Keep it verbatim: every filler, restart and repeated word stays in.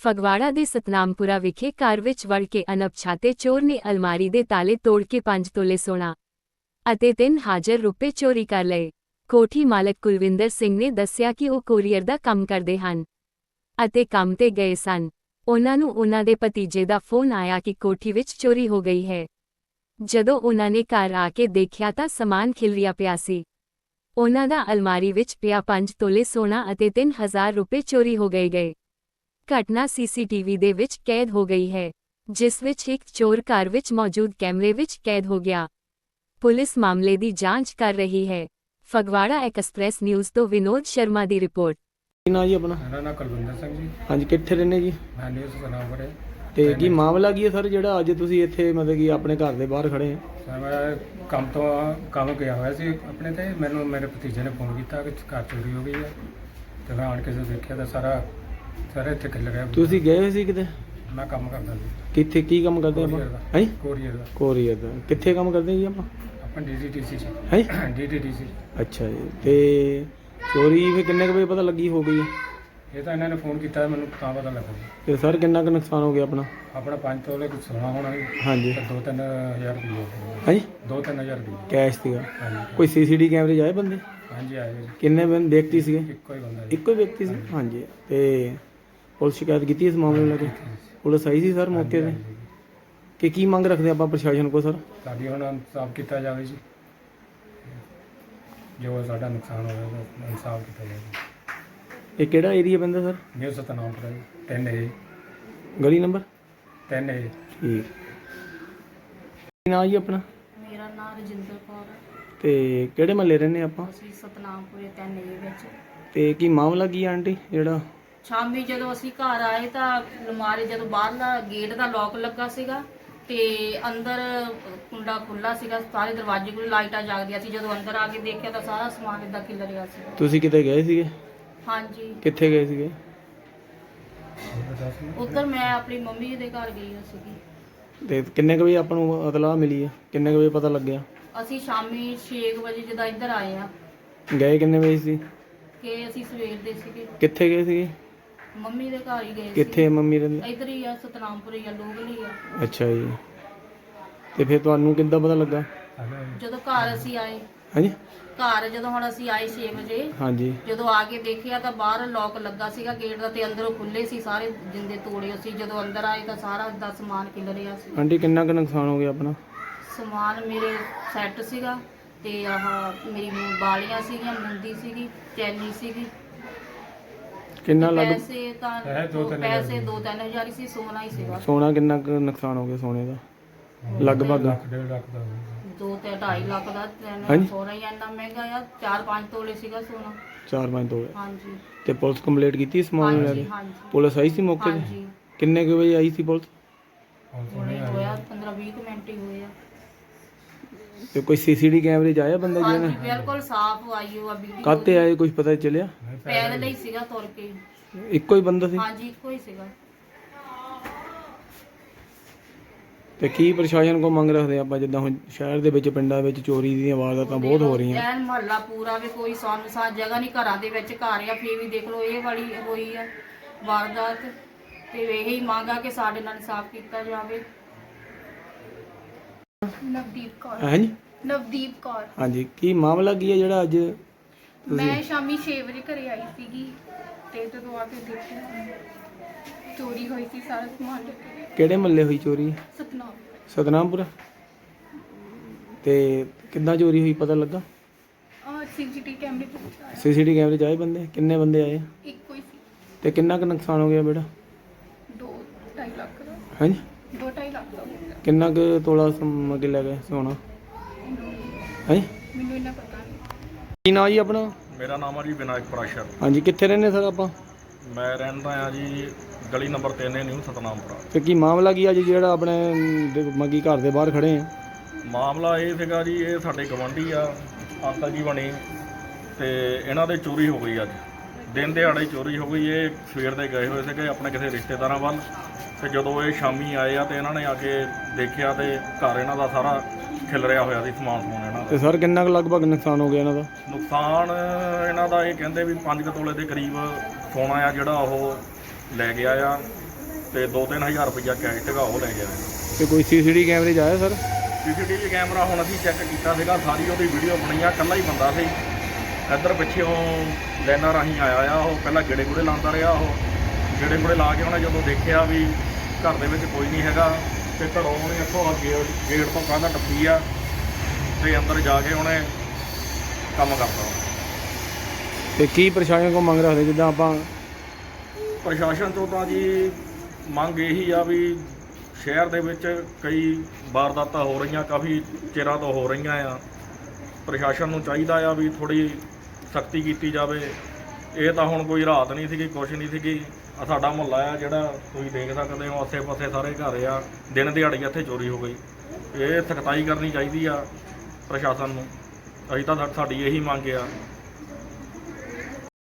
ਫਗਵਾੜਾ ਦੇ ਸਤਨਾਮਪੁਰਾ ਵਿਖੇ ਘਰ ਵਿੱਚ ਵੜ ਕੇ ਅਣਪਛਾਤੇ ਚੋਰ ਨੇ ਅਲਮਾਰੀ ਦੇ ਤਾਲੇ ਤੋੜ ਕੇ ਪੰਜ ਤੋਲੇ ਸੋਨਾ ਅਤੇ ਤਿੰਨ ਹਜ਼ਾਰ ਰੁਪਏ ਚੋਰੀ ਕਰ ਲਏ। ਕੋਠੀ ਮਾਲਕ ਕੁਲਵਿੰਦਰ ਸਿੰਘ ਨੇ ਦੱਸਿਆ ਕਿ ਉਹ ਕੋਰੀਅਰ ਦਾ ਕੰਮ ਕਰਦੇ ਹਨ ਅਤੇ ਕੰਮ ਤੇ ਗਏ ਸਨ। ਉਹਨਾਂ ਨੂੰ ਉਹਨਾਂ ਦੇ ਭਤੀਜੇ ਦਾ ਫੋਨ ਆਇਆ ਕਿ ਕੋਠੀ ਵਿੱਚ ਚੋਰੀ ਹੋ ਗਈ ਹੈ। ਜਦੋਂ ਉਹਨਾਂ ਨੇ ਘਰ ਆ ਕੇ ਦੇਖਿਆ ਤਾਂ ਸਮਾਨ ਖਿਲਰਿਆ ਪਿਆ ਸੀ। ਉਹਨਾਂ ਦਾ ਅਲਮਾਰੀ ਵਿੱਚ ਪਿਆ ਪੰਜ ਤੋਲੇ ਸੋਨਾ ਅਤੇ ਤਿੰਨ ਹਜ਼ਾਰ ਰੁਪਏ ਚੋਰੀ ਹੋ ਗਏ ਗਏ। ਘਟਨਾ ਸੀਸੀਟੀਵੀ ਦੇ ਵਿੱਚ ਕੈਦ ਹੋ ਗਈ ਹੈ, ਜਿਸ ਵਿੱਚ ਇੱਕ ਚੋਰ ਘਰ ਵਿੱਚ ਮੌਜੂਦ ਕੈਮਰੇ ਵਿੱਚ ਕੈਦ ਹੋ ਗਿਆ। ਪੁਲਿਸ ਮਾਮਲੇ ਦੀ ਜਾਂਚ ਕਰ ਰਹੀ ਹੈ। ਫਗਵਾੜਾ ਐਕਸਪ੍ਰੈਸ ਨਿਊਜ਼ ਤੋਂ ਵਿਨੋਦ ਸ਼ਰਮਾ ਦੀ ਰਿਪੋਰਟ। ਕੀ ਨਾਂ ਜੀ ਆਪਣਾ? ਮੇਰਾ ਨਾਮ ਕੁਲਵਿੰਦਰ ਸਿੰਘ ਜੀ। ਹਾਂਜੀ, ਕਿੱਥੇ ਰਹਿੰਦੇ ਜੀ? ਮੈਂ ਨਿਊਜ਼ ਸਤਨਾਮਪੁਰੇ। ਤੇ ਕੀ ਮਾਮਲਾ ਕੀ ਹੈ ਸਰ, ਜਿਹੜਾ ਅੱਜ ਤੁਸੀਂ ਇੱਥੇ ਮਤਲਬ ਕਿ ਆਪਣੇ ਘਰ ਦੇ ਬਾਹਰ ਖੜੇ ਆ? ਸਰ ਮੈਂ ਕੰਮ ਤੋਂ ਕੰਮ ਗਿਆ ਹੋਇਆ ਸੀ ਆਪਣੇ ਤੇ, ਮੈਨੂੰ ਮੇਰੇ ਭਤੀਜੇ ਨੇ ਫੋਨ ਕੀਤਾ ਕਿ ਘਰ ਚੋਰੀ ਹੋ ਗਈ ਹੈ ਤੇ ਮੈਂ ਆਣ ਕੇ ਜਦੋਂ ਦੇਖਿਆ ਤਾਂ ਸਾਰਾ ਸਾਰਾ ਇੱਥੇ ਖਿਲ ਰਿਹਾ। ਤੁਸੀਂ ਗਏ ਹੋਏ ਸੀ ਕਿਤੇ? ਮੈਂ ਕੰਮ ਕਰਦਾ ਸੀ। ਕਿੱਥੇ, ਕੀ ਕੰਮ ਕਰਦੇ ਆਪਾਂ? ਹੈ ਕੋਰੀਅਰ ਦਾ। ਕੋਰੀਅਰ ਦਾ ਕਿੱਥੇ ਕੰਮ ਕਰਦੇ ਜੀ ਆਪਾਂ? ਆਪਾਂ ਡੀਡੀਟੀਸੀ ਚ। ਹੈ ਡੀਡੀਟੀਸੀ। ਅੱਛਾ ਜੀ। ਤੇ ਚੋਰੀ ਫਿਰ ਕਿੰਨੇ ਕੁ ਵਜੇ ਪਤਾ ਲੱਗੀ ਹੋ ਗਈ? ਇਹ ਤਾਂ ਇਹਨਾਂ ਨੇ ਫੋਨ ਕੀਤਾ ਮੈਨੂੰ ਤਾਂ ਪਤਾ ਲੱਗਾ। ਤੇ ਸਰ ਕਿੰਨਾ ਕੁ ਨੁਕਸਾਨ ਹੋ ਗਿਆ ਆਪਣਾ? ਆਪਣਾ ਪੰਜ ਤੋਲੇ ਕੁਝ ਸੋਨਾ ਹੋਣਾ ਜੀ। ਹਾਂਜੀ। ਤੇ ਦੋ ਤਿੰਨ ਹਜ਼ਾਰ ਰੁਪਏ। ਹਾਂਜੀ, ਦੋ ਤਿੰਨ ਹਜ਼ਾਰ ਰੁਪਏ ਕੈਸ਼ ਸੀਗਾ। ਹਾਂਜੀ। ਕੋਈ ਸੀਸੀਟੀ ਕੈਮਰੇ 'ਚ ਆਏ ਬੰਦੇ? ਹਾਂਜੀ ਆਏ ਜੀ। ਕਿੰਨੇ ਬੰਦੇ ਵਿਅਕਤੀ ਸੀਗੇ? ਇੱਕੋ ਹੀ ਬੰਦਾ ਜੀ। ਇੱਕੋ ਹੀ ਵਿਅਕਤੀ ਸੀ। ਹਾਂਜੀ। ਤੇ ਪੁਲਿਸ ਸ਼ਿਕਾਇਤ ਕੀਤੀ ਇਸ ਮਾਮਲੇ ਨੂੰ ਲੈ ਕੇ? ਪੁਲਿਸ ਆਈ ਸੀ ਸਰ ਮੌਕੇ ਤੇ? ਕਿ ਕੀ ਮੰਗ ਰੱਖਦੇ ਆਪਾਂ ਪ੍ਰਸ਼ਾਸਨ ਕੋਲ ਸਰ? ਸਾਡੀ ਹੁਣ ਇਨਸਾਫ ਕੀਤਾ ਜਾਵੇ ਜੀ, ਜੋ ਸਾਡਾ ਨੁਕਸਾਨ ਹੋਇਆ ਉਹਦਾ ਇਨਸਾਫ ਕੀਤਾ ਜਾਵੇ। ਇਹ ਕਿਹੜਾ ਏਰੀਆ ਪੈਂਦਾ ਸਰ? ਨਿਊ ਸਤਨਾਮਪੁਰਾ ਜੀ। ਤਿੰਨ ਏ। ਗਲੀ ਨੰਬਰ ਤਿੰਨ ਏ। ਠੀਕ। ਕੀ ਨਾਂ ਜੀ ਆਪਣਾ? ਮੇਰਾ ਨਾਮ ਰਜਿੰਦਰ ਕੌਰ ਹੈ। ਤੇ ਕਿਹੜੇ ਮਹੱਲੇ ਰਹਿੰਦੇ ਆਪਾਂ? ਅਸੀਂ ਸਤਨਾਮਪੁਰੇ ਤਿੰਨ ਏ ਵਿੱਚ। ਤੇ ਕੀ ਮਾਮਲਾ ਕੀ ਆ ਆਂਟੀ? ਜਿਹੜਾ ਸ਼ਾਮੀ ਜਦੋਂ ਅਸੀਂ ਘਰ ਆਏ ਤਾਂ ਅਲਮਾਰੀ ਜਦੋਂ ਬਾਹਰਲਾ ਗੇਟ ਦਾ ਲੋਕ ਲੱਗਾ ਸੀਗਾ ਤੇ ਅੰਦਰ ਕੁੰਡਾ ਖੁੱਲਾ ਸੀਗਾ, ਸਾਰੇ ਦਰਵਾਜ਼ੇ ਕੋਲ ਲਾਈਟਾਂ ਜਗਦੀਆਂ ਸੀ। ਜਦੋਂ ਅੰਦਰ ਆ ਕੇ ਦੇਖਿਆ ਤਾਂ ਸਾਰਾ ਸਮਾਨ ਇੱਦਾਂ ਖਿਲ ਰਿਹਾ ਸੀ। ਤੁਸੀਂ ਕਿਤੇ ਗਏ ਸੀਗੇ? ਹਾਂਜੀ। ਕਿੱਥੇ ਗਏ ਸੀਗੇ? ਉੱਧਰ ਮੈਂ ਆਪਣੀ ਮੰਮੀ ਦੇ ਘਰ ਗਈ ਹੋਈ ਸੀਗੀ। ਤੇ ਕਿੰਨੇ ਕੁ ਵਜੇ ਆਪਾਂ ਨੂੰ ਇਤਲਾਹ ਮਿਲੀ ਹੈ? ਕਿੰਨੇ ਕੁ ਵਜੇ ਪਤਾ ਲੱਗਿਆ? ਅਸੀਂ ਸ਼ਾਮੀ ਛੇ ਵਜੇ ਜਦੋਂ ਇੱਧਰ ਆਏ ਆ। ਗਏ ਕਿੰਨੇ ਵਜੇ ਸੀ? ਕਿ ਅਸੀਂ ਸਵੇਰ ਦੇ ਸੀਗੇ। ਕਿੱਥੇ ਗਏ ਸੀਗੇ? ਮੰਮੀ ਦੇ ਘਰ ਹੀ ਗਏ। ਕਿੱਥੇ ਮੰਮੀ ਰਹਿੰਦੇ? ਇੱਧਰ ਹੀ ਆ, ਸਤਨਾਮਪੁਰੇ ਆ, ਲੋਗਲ ਹੀ ਆ। ਅੱਛਾ ਜੀ। ਤੇ ਫਿਰ ਤੁਹਾਨੂੰ ਕਿੱਦਾਂ ਪਤਾ ਲੱਗਾ? ਜਦੋਂ ਘਰ ਅਸੀਂ ਆਏ, ਹਾਂਜੀ, ਘਰ ਜਦੋਂ ਹੁਣ ਅਸੀਂ ਆਏ ਛੇ ਵਜੇ, ਹਾਂਜੀ, ਜਦੋਂ ਆ ਕੇ ਦੇਖਿਆ ਤਾਂ ਬਾਹਰ ਲੋਕ ਲੱਗਾ ਸੀਗਾ ਗੇਟ ਦਾ ਤੇ ਅੰਦਰੋਂ ਖੁੱਲੇ ਸੀ, ਸਾਰੇ ਜਿੰਦੇ ਤੋੜੇ ਸੀ। ਜਦੋਂ ਅੰਦਰ ਆਏ ਤਾਂ ਸਾਰਾ ਦਾ ਸਮਾਨ ਖਿਲ ਰਿਹਾ ਸੀ। ਆਂਟੀ ਕਿੰਨਾ ਕੁ ਨੁਕਸਾਨ ਹੋ ਗਿਆ ਆਪਣਾ? ਸਮਾਨ ਮੇਰੇ ਸੈੱਟ ਸੀਗਾ ਤੇ ਆਹ ਮੇਰੀ ਬਾਲੀਆਂ ਸੀਗੀਆਂ, ਮੁੰਦੀ ਸੀਗੀ, ਚੈਨੀ ਸੀਗੀ। ਕਿੰਨਾ ਲੱਗ ਪੈਸੇ ਤਾਂ ਪੈਸੇ ਦੋ ਤਿੰਨ ਹਜ਼ਾਰ ਹੀ ਸੀ। ਸੋਨਾ ਹੀ ਸੀਗਾ। ਸੋਨਾ ਕਿੰਨਾ ਕੁ ਨੁਕਸਾਨ ਹੋ ਗਿਆ ਸੋਨੇ ਦਾ? ਲਗਭਗ ਡੇਢ ਲੱਖ ਦਾ। ਦੋ ਤੇ ਢਾਈ ਲੱਖ ਦਾ। ਹਾਂਜੀ। ਸੋਨਾ ਹੀ ਇੰਨਾ ਮਹਿੰਗਾ ਆ। ਚਾਰ ਪੰਜ ਤੋਲੇ ਸੀਗਾ ਸੋਨਾ। ਚਾਰ ਪੰਜ ਤੋਲੇ। ਹਾਂਜੀ। ਤੇ ਪੁਲਿਸ ਕੰਪਲੀਟ ਕੀਤੀ ਇਸ ਮਾਮਲੇ ਹਾਂਜੀ ਨਾਲ? ਹਾਂਜੀ ਪੁਲਿਸ ਆਈ ਸੀ ਮੌਕੇ ਤੇ? ਹਾਂਜੀ। ਕਿੰਨੇ ਕੁ ਵਜੇ ਆਈ ਸੀ ਪੁਲਿਸ? ਹੁਣੇ ਹੋਇਆ ਪੰਦਰਾਂ ਵੀਹ ਕੁ ਮਿੰਟ ਹੀ ਹੋਏ ਆ। ਤੇ ਕੋਈ ਸੀਸੀਟੀ ਕੈਮਰੇ 'ਚ ਆਇਆ ਬੰਦਾ ਹਾਂਜੀ ਜਿਹਨੇ? ਬਿਲਕੁਲ ਸਾਫ਼ ਆਈ ਉਹ ਵੀਡੀਓ। ਕਾਹਤੇ ਆਏ ਕੁਝ ਪਤਾ ਚੱਲਿਆ? ਪੈਦਲ ਹੀ ਸੀਗਾ, ਤੁਰ ਕੇ। ਇੱਕੋ ਹੀ ਬੰਦਾ ਸੀ? ਹਾਂਜੀ ਇੱਕੋ ਹੀ ਸੀਗਾ। ਤੇ ਕੀ ਪ੍ਰਸ਼ਾਸਨ ਕੋ ਮੰਗ ਰੱਖਦੇ ਆਪਾਂ, ਜਿੱਦਾਂ ਹੁਣ ਸ਼ਹਿਰ ਦੇ ਵਿੱਚ ਪਿੰਡਾਂ ਵਿੱਚ ਚੋਰੀ ਦੀਆਂ ਵਾਰਦਾਤਾਂ ਬਹੁਤ ਹੋ ਰਹੀਆਂ? ਐਨ ਮਹੱਲਾ ਪੂਰਾ ਵੀ ਕੋਈ ਸੁੰਨਸਾਨ ਜਗ੍ਹਾ ਨਹੀਂ, ਘਰਾਂ ਦੇ ਵਿੱਚ ਘਰ ਆ, ਫੇਰ ਵੀ ਦੇਖ ਲਓ ਇਹ ਵਾਲੀ ਹੋਈ ਆ ਵਾਰਦਾਤ। ਤੇ ਇਹੀ ਮੰਗ ਆ ਕਿ ਸਾਡੇ ਨਾਲ ਇਨਸਾਫ ਕੀਤਾ ਜਾਵੇ। ਨਵਦੀਪ ਕੌਰ। ਹਾਂਜੀ, ਨਵਦੀਪ ਕੌਰ। ਹਾਂਜੀ। ਕੀ ਮਾਮਲਾ ਕੀ ਹੈ ਜਿਹੜਾ ਅੱਜ ਮੈਂ ਸ਼ਾਮੀ ਛੇ ਵਜੇ ਘਰੇ ਆਈ ਸੀਗੀ ਤੇ ਜਦੋਂ ਆ ਕੇ ਦੇਖਿਆ ਚੋਰੀ ਹੋਈ ਸੀ, ਸਾਰਾ ਸਮਾਨ ਡਿੱਗਿਆ। ਕਿਹੜੇ ਮਹੱਲੇ ਹੋਈ ਚੋਰੀ? ਸਤਨਾਮ। ਸਤਨਾਮਪੁਰਾ। ਤੇ ਕਿੱਦਾਂ ਚੋਰੀ ਹੋਈ ਪਤਾ ਲੱਗਾ? ਆ ਸੀਸੀਟੀ ਕੈਮਰੇ ਤੇ ਸੀਸੀਟੀ ਕੈਮਰੇ 'ਚ ਆਏ ਬੰਦੇ? ਕਿੰਨੇ ਬੰਦੇ ਆਏ? ਇੱਕੋ ਹੀ ਸੀ। ਤੇ ਕਿੰਨਾ ਕੁ ਨੁਕਸਾਨ ਹੋ ਗਿਆ ਬੇਟਾ? ਦੋ ਢਾਈ ਲੱਖ ਦਾ। ਹਾਂਜੀ। ਦੋ ਢਾਈ ਲੱਖ ਦਾ ਹੋ ਗਿਆ। ਕਿੰਨਾ ਕੁ ਤੋਲਾ ਸਮ ਕੇ ਲੈ ਗਏ ਸੋਨਾ? ਹਾਂਜੀ, ਮੈਨੂੰ ਇਹਨਾਂ ਪਤਾ ਨਹੀਂ। ਕੀ ਨਾਂ ਜੀ ਆਪਣਾ? ਮੇਰਾ ਨਾਮ ਹੈ ਜੀ ਵਿਨਾਇਕ ਪ੍ਰਾਸ਼ਰ। ਹਾਂਜੀ, ਕਿੱਥੇ ਰਹਿੰਦੇ ਸਰ ਆਪਾਂ? ਮੈਂ ਰਹਿੰਦਾ ਆ ਜੀ ਗਲੀ ਨੰਬਰ ਤਿੰਨ ਹੈ, ਨਿਊ ਸਤਨਾਮਪੁਰਾ। ਤੇ ਕੀ ਮਾਮਲਾ ਕੀ ਅੱਜ ਜਿਹੜਾ ਆਪਣੇ ਦੇ- ਮੱਗੀ ਘਰ ਦੇ ਬਾਹਰ ਖੜੇ ਆ? ਮਾਮਲਾ ਇਹ ਸੀਗਾ ਜੀ, ਇਹ ਸਾਡੇ ਗਵਾਂਢੀ ਆ, ਅੰਕਲ ਜੀ ਬਣੇ, ਤੇ ਇਹਨਾਂ ਦੇ ਚੋਰੀ ਹੋ ਗਈ ਅੱਜ ਦਿਨ ਦਿਹਾੜੇ ਚੋਰੀ ਹੋ ਗਈ। ਇਹ ਸਵੇਰ ਦੇ ਗਏ ਹੋਏ ਸੀਗੇ ਆਪਣੇ ਕਿਸੇ ਰਿਸ਼ਤੇਦਾਰਾਂ ਵੱਲ, ਤੇ ਜਦੋਂ ਇਹ ਸ਼ਾਮੀ ਆਏ ਆ ਤੇ ਇਹਨਾਂ ਨੇ ਆ ਕੇ ਦੇਖਿਆ ਤੇ ਘਰ ਇਹਨਾਂ ਦਾ ਸਾਰਾ ਖਿਲ ਰਿਹਾ ਹੋਇਆ ਸੀ, ਸਮਾਨ ਸਮੂਨ ਇਹਨਾਂ ਤੇ ਦਾ। ਸਰ ਕਿੰਨਾ ਕੁ ਲਗਭਗ ਨੁਕਸਾਨ ਹੋ ਗਿਆ ਇਹਨਾਂ ਦਾ? ਨੁਕਸਾਨ ਇਹਨਾਂ ਦਾ ਇਹ ਕਹਿੰਦੇ ਵੀ ਪੰਜ ਕੁ ਤੋਲੇ ਦੇ ਕਰੀਬ ਸੋਨਾ ਆ ਜਿਹੜਾ ਉਹ ਲੈ ਗਿਆ ਆ, ਤੇ ਦੋ ਤਿੰਨ ਹਜ਼ਾਰ ਰੁਪਈਆ ਕੈਸ਼ ਸੀਗਾ ਉਹ ਲੈ ਗਿਆ। ਤੇ ਕੋਈ ਸੀਸੀਟੀ ਕੈਮਰੇ 'ਚ ਆਇਆ ਸਰ? ਸੀਸੀਟੀਵੀ ਕੈਮਰਾ ਹੁਣ ਅਸੀਂ ਚੈੱਕ ਕੀਤਾ ਸੀਗਾ, ਸਾਰੀ ਉਹਦੀ ਵੀਡੀਓ ਬਣੀ ਆ, ਇਕੱਲਾ ਹੀ ਬੰਦਾ ਸੀ। ਇੱਧਰ ਪਿੱਛੇੋਂ ਲਾਈਨਾਂ ਰਾਹੀਂ ਆਇਆ ਆ, ਉਹ ਪਹਿਲਾਂ ਗੇੜੇ ਗੂੜੇ ਲਾਉਂਦਾ ਰਿਹਾ। ਉਹ ਗੇੜੇ ਗੂੜੇ ਲਾ ਕੇ ਉਹਨੇ ਜਦੋਂ ਦੇਖਿਆ ਵੀ ਘਰ ਦੇ ਵਿੱਚ ਕੋਈ ਨਹੀਂ ਹੈਗਾ ਤੇ ਘਰੋਂ ਉਹਨੇ ਇੱਥੋਂ ਆ ਗੇਟ ਗੇਟ ਤੋਂ ਕੰਧ ਟੱਪੀ ਆ ਤੇ ਅੰਦਰ ਜਾ ਕੇ ਉਹਨੇ ਕੰਮ ਕਰਤਾ। ਤੇ ਕੀ ਪ੍ਰਸ਼ਾਸਨ ਕੋਲ ਮੰਗ ਰੱਖਦੇ? ਜਿੱਦਾਂ ਆਪਾਂ ਪ੍ਰਸ਼ਾਸਨ ਤੋਂ ਤਾਂ ਜੀ ਮੰਗ ਇਹੀ ਆ ਵੀ ਸ਼ਹਿਰ ਦੇ ਵਿੱਚ ਕਈ ਵਾਰਦਾਤਾਂ ਹੋ ਰਹੀਆਂ, ਕਾਫੀ ਚਿਰਾਂ ਤੋਂ ਹੋ ਰਹੀਆਂ ਆ। ਪ੍ਰਸ਼ਾਸਨ ਨੂੰ ਚਾਹੀਦਾ ਆ ਵੀ ਥੋੜ੍ਹੀ ਸਖਤੀ ਕੀਤੀ ਜਾਵੇ। ਇਹ ਤਾਂ ਹੁਣ ਕੋਈ ਰਾਤ ਨਹੀਂ ਸੀਗੀ, ਕੁਛ ਨਹੀਂ ਸੀਗੀ। ਆ ਸਾਡਾ ਮੁਹੱਲਾ ਆ ਜਿਹੜਾ ਤੁਸੀਂ ਦੇਖ ਸਕਦੇ ਹੋ, ਆਸੇ ਪਾਸੇ ਸਾਰੇ ਘਰ ਆ, ਦਿਨ ਦਿਹਾੜੀ ਇੱਥੇ ਚੋਰੀ ਹੋ ਗਈ। ਇਹ ਸਖਤਾਈ ਕਰਨੀ ਚਾਹੀਦੀ ਆ ਪ੍ਰਸ਼ਾਸਨ ਨੂੰ। ਅਸੀਂ ਤਾਂ ਸਾਡੀ ਇਹੀ ਮੰਗ ਆ